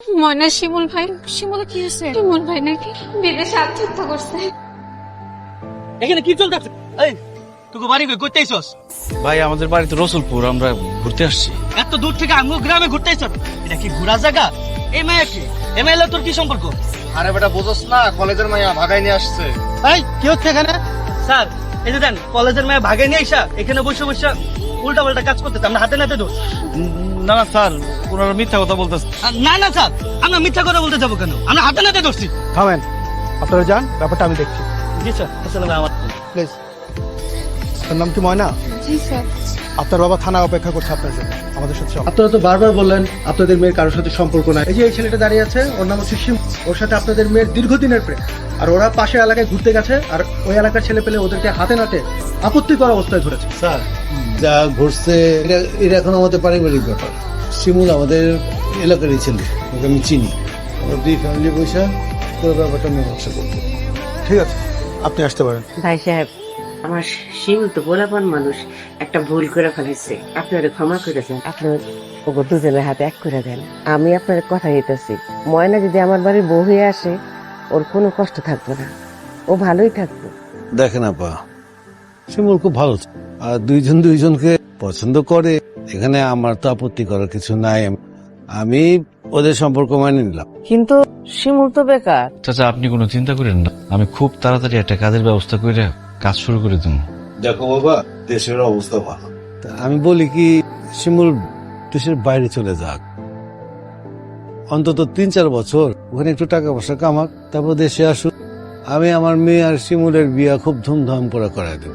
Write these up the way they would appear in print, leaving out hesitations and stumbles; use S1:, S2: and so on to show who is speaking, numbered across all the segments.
S1: ময়না শিমুল ভাই, শিমুল কি হয়েছে? শিমুল ভাই নাকি বিদেশে আত্মহত্যা করছে।
S2: এখানে কি চলতেছে? এই তুই বাড়ি করতে আইছস?
S3: ভাই আমাদের বাড়ি তো রসুলপুর, আমরা ঘুরতে আসছি।
S2: এত দূর থেকে আমগো গ্রামে ঘুরতে আইছস? এটা কি ঘোরা জায়গা? এই মায়া কি? এই মাইলা তোর কি সম্পর্ক?
S4: আরে বেটা বুঝছ না, কলেজের মাইয়া ভাগাই নিয়ে আসছে।
S2: এই কি হচ্ছে এখানে? স্যার এই যে দেন কলেজের মায়া ভাগে নিয়ে আইসা এখানে বসে বসে উল্টা পাল্টা কাজ করতেছে, আমরা হাতে নাতে দোষ।
S3: না না স্যার, ওনারা মিথ্যা কথা বলতেছে।
S2: না না স্যার, আমরা মিথ্যা কথা বলতে যাবো কেন? আমরা হাতে নাতে ধরছি।
S4: থামেন, আপনারা যান, ব্যাপারটা আমি দেখছি।
S2: জি স্যার, আসলে আমার
S4: প্লিজ। আপনার নাম কি ময়না?
S1: জি স্যার।
S4: আপনার বাবা থানা অপেক্ষা করছে আপনার জন্য, আমাদের সাথে চলুন।
S5: আপনারা তো বারবার বললেন আপনাদের মেয়ের কারোর সাথে সম্পর্ক নাই। এই যে এই ছেলেটা দাঁড়িয়ে আছে, ওর নাম হচ্ছে শিম। ওর সাথে আপনাদের মেয়ের দীর্ঘদিনের প্রেম। আর ওরা পাশের এলাকায় ঘুরতে গেছে, আর ওই এলাকার ছেলে পেলে ওদেরকে হাতে নাতে আপত্তিকর অবস্থায় ধরেছে।
S6: স্যার যা ঘটছে এটা এখন আমাদের পারিবারিক ব্যাপার। শিমুল আমাদের এলাকারই ছেলে, ওকে আমি চিনি। আমরা দুই ফ্যামিলি বসে পুরো ব্যাপারটা মীমাংসা করবো।
S4: ঠিক আছে, আপনি আসতে পারেন।
S7: ভাই সাহেব, আমার শিমুল তো বলাপন মানুষ, একটা ভুল করে ফেলেছে, আপনারা ক্ষমা করে দেন। আপনার ওগো দুজনের হাতে এক করে দেন। আমি আপনার কথা দিতেছি, ময়না যদি আমার বাড়ির বউ হয়ে আসে, ওর কোনো কষ্ট থাকবে না, ও ভালোই থাকবে।
S6: দেখেন আপা, শিমুল খুব ভালো ছেলে। আর দুইজন দুইজনকে পছন্দ করে, এখানে আমার তো আপত্তি করার কিছু নাই। আমি ওদের সম্পর্ক মানিয়ে নিলাম।
S7: কিন্তু শিমুল তো বেকার।
S3: চাচা আপনি কোনো চিন্তা করেন না, আমি খুব তাড়াতাড়ি একটা কাজের ব্যবস্থা করে কাজ শুরু করে দেবো।
S6: দেখো বাবা, দেশের অবস্থা ভালো। আমি বলি কি, শিমুল দেশের বাইরে চলে যাক, অন্তত 3-4 বছর ওখানে একটু টাকা পয়সা কামাক, তারপর দেশে আসুক। আমি আমার মেয়ে আর শিমুলের বিয়া খুব ধুমধাম করে করাই দেব।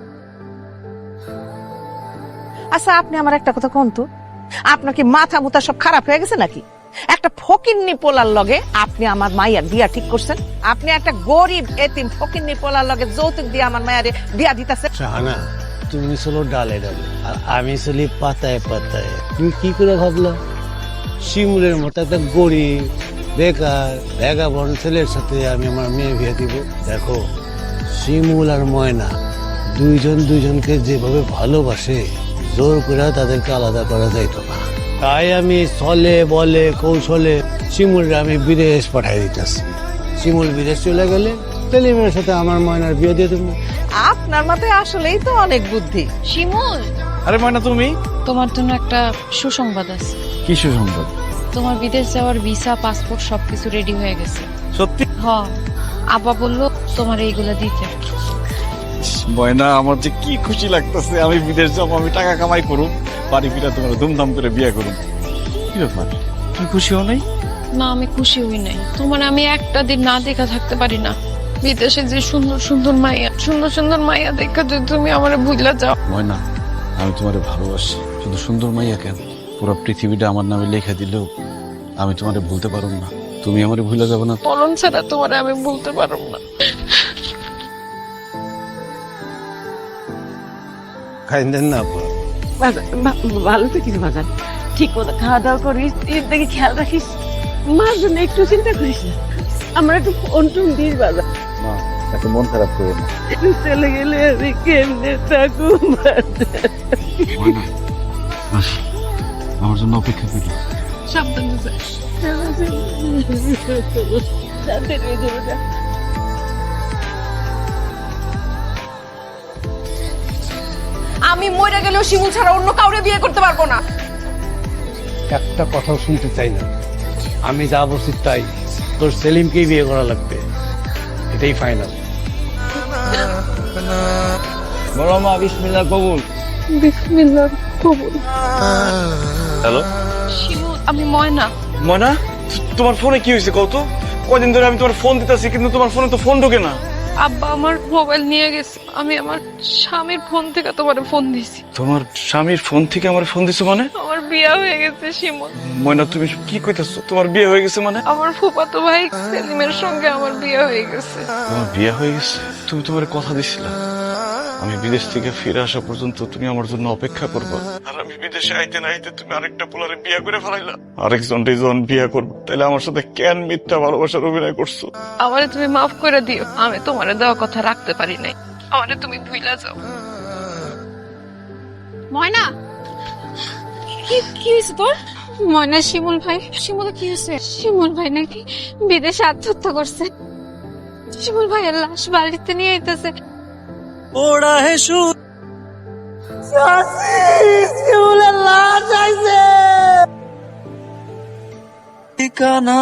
S8: আচ্ছা, আপনি আমার একটা কথা কোন তো, আপনার কি মাথা মুথা সব খারাপ হয়ে গেছে নাকি? একটা ফকিন্নি পোলার লগে আপনি আমার মাইয়ার বিয়া ঠিক করছেন? আপনি একটা গরিব এতিম ফকিন্নি পোলার লগে যৌতুক দিয়ে আমার মায়ের বিয়া দিতেছেন?
S6: শাহানা, তুমি চলো ডালে ডালে, আর আমি চলি পাতায় পাতায়। তুমি কি করে ভাবলা শিমুলের মতো একটা গরিব বেকার ভ্যাগাবন ছেলের সাথে আমি আমার মেয়ে বিয়ে দিব? দেখো, শিমুল আর ময়না দুইজন দুইজনকে যেভাবে ভালোবাসে, জোর করে তাদেরকে আলাদা করা যাইতো না। তাই আমি ছলে বলে কৌশলে শিমুলরা আমি বিদেশ পাঠাই দিতেছি। শিমুল বিদেশ চলে গেলে সেলিমের সাথে আমার ময়নার বিয়ে দিয়ে দেবো।
S8: আপনার মাথায় আসলেই তো অনেক বুদ্ধি।
S1: শিমুল,
S3: আরে ময়না তুমি?
S1: তোমার জন্য একটা সুসংবাদ আছে।
S3: কি সুসংবাদ?
S1: তোমার বিদেশ যাওয়ার ভিসা, পাসপোর্ট সবকিছু রেডি হয়ে গেছে।
S3: সত্যি?
S1: হ, আব্বা বললো তোমার এইগুলা দিতে।
S3: ময়না, আমার যে কি খুশি লাগতেছে। আমি বিদেশ যাবো, আমি টাকা কামাই করুম, বাড়ি ফিরা তোমার ধুমধাম করে বিয়ে করুম। কি ব্যাপার, তুমি খুশি হও নাই?
S1: না, আমি খুশি হই নাই। তোমার আমি একটা দিন না দেখা থাকতে পারি না। বিদেশে যে সুন্দর সুন্দর মাইয়া, সুন্দর সুন্দর মাইয়া দেখা যদি তুমি আমার ভুলা যাও।
S3: ময়না, আমি তোমারে ভালোবাসি। শুধু সুন্দর মাইয়া কেন, পুরো পৃথিবীটা আমার নামে লেখা দিলেও আমি তোমারে ভুলতে পারব না। তুমি আমারে ভুলে যাবে না?
S1: মরণ ছাড়া তোমার আমি বলতে পারব না।
S6: খাইলেন না আপা?
S7: ভালো তো কিছু বাজার, ঠিক মতো খাওয়া দাওয়া করিস, দেখে খেয়াল রাখিস, মার জন্য একটু চিন্তা করিস না। আমরা একটু ফোন টোন দিস বাজার।
S3: মা, এত মন খারাপ করো না।
S7: চলে গেলে আমি কেমনে থাকবো?
S3: ময়না, আসো, আমার জন্য অপেক্ষা করি।
S1: সাবধানে যাই।
S8: আমি মরে গেলেও শিমুল ছাড়া অন্য কাউরে বিয়ে করতে পারবো না।
S6: একটা কথাও শুনতে চাই না। আমি যা বলছি তাই, তোর সেলিমকেই বিয়ে করা লাগবে, এটাই ফাইনাল।
S3: বলো মা, বিসমিল্লাহ কবুল।
S1: বিসমিল্লাহ কবুল।
S3: হ্যালো
S1: শিমুল, আমি ময়না।
S3: ময়না, তোমার ফোনে কি হয়েছে কত? কদিন ধরে আমি তোমার ফোন দিতেছি, কিন্তু তোমার ফোনে তো ফোন ঢোকে না।
S1: আব্বা আমার মোবাইল নিয়ে গেছে, আমি আমার স্বামীর ফোন থেকে তোমার ফোন দিছি।
S3: তোমার স্বামীর ফোন থেকে আমার ফোন দিছো মানে?
S1: আমার বিয়ে হয়ে গেছে শিমুল।
S3: ময়না, তুমি কি কইতাছো? তোমার বিয়ে হয়ে গেছে মানে?
S1: আমার ফুফাতো ভাই সেলিমের সঙ্গে আমার বিয়ে হয়ে গেছে।
S3: তোমার বিয়ে হয়ে গেছে? তুমি তোমার কথা দিছিলা আমি বিদেশ থেকে ফিরে আসা পর্যন্ত তুমি আমার জন্য অপেক্ষা করবা, আর আমি বিদেশে আইতে না আইতে তুমি আরেকটা পোলারে বিয়ে করে ফেলাইলা। আরেকজনকে যখন বিয়ে করবো, তাহলে আমার সাথে কেন মিথ্যা ভালোবাসার অভিনয় করছো?
S1: আমারে তুমি মাফ করে দিও, আমি তোমারে দেওয়া কথা রাখতে পারি নাই। আমারে তুমি ভুইলা যাও। ময়না, কি কি হয়েছে তোর? ময়না শিমুল ভাই, শিমুল কি হয়েছে? শিমুল ভাই নাকি বিদেশে আত্মহত্যা করছে। শিমুল ভাইয়ের লাশ বাড়িতে নিয়ে আইতেছে।
S2: ওরা হে সুর
S7: শিমুলের লাশ আইছে।
S2: ঠিকানা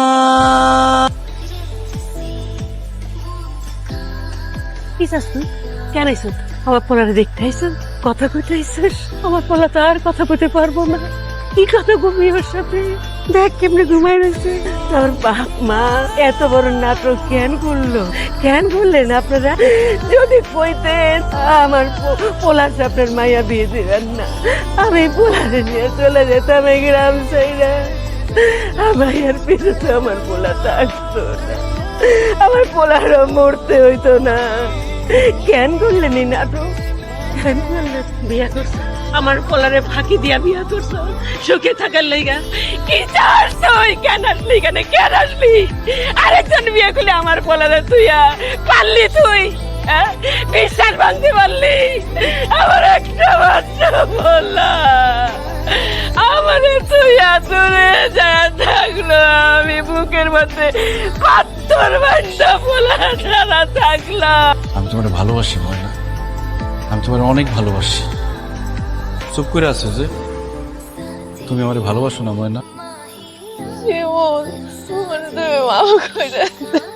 S7: কি চাস তুই? কেন আইস? আমার পোলারে দেখতে আইস? কথা কইতে আইসিস? আমার পোলা তো আর কথা কইতে পারবো না। কি কথা বলবি ওর সাথে? দেখ কেমনে ঘুমাই রয়েছে। তোর বাপ মা এত বড় নাটক কেন করলো? কেন করলেন আপনারা? যদি কইতেন আমার পোলার সাথে আপনার মাইয়া বিয়ে দিবেন না, আমি পোলারে নিয়ে চলে যেতাম এই গ্রাম ছেড়ে। মাইয়ার পিছনে আমার পোলা থাকতো না, আমার পোলারও মরতে হইতো না। কেন করলেন এই নাটক? কেন করলেন? বিয়া করছো আমার পোলারে ফাঁকি দিয়া বিয়া করছো সুখে থাকার লাইগা? কি চাস তুই? কেন আসলি? কেন আসলি? আরেকজন বিয়ে করলে আমার পোলারে তুই পারলি? তুই বিশ্বাস ভাঙতে পারলি? আমার একটা বাচ্চা বললা আমারে তুই দূরে যা থাকলো, আমি বুকের মধ্যে পাথর বান্ধা পোলা ছাড়া থাকলাম।
S3: আমি তোমার ভালোবাসি ময়না, আমি তোমার অনেক ভালোবাসি। চুপ করে আছো যে? তুমি আমার ভালোবাসো না ময়না?
S1: শিমুল, তুমি মাফ করে দাও।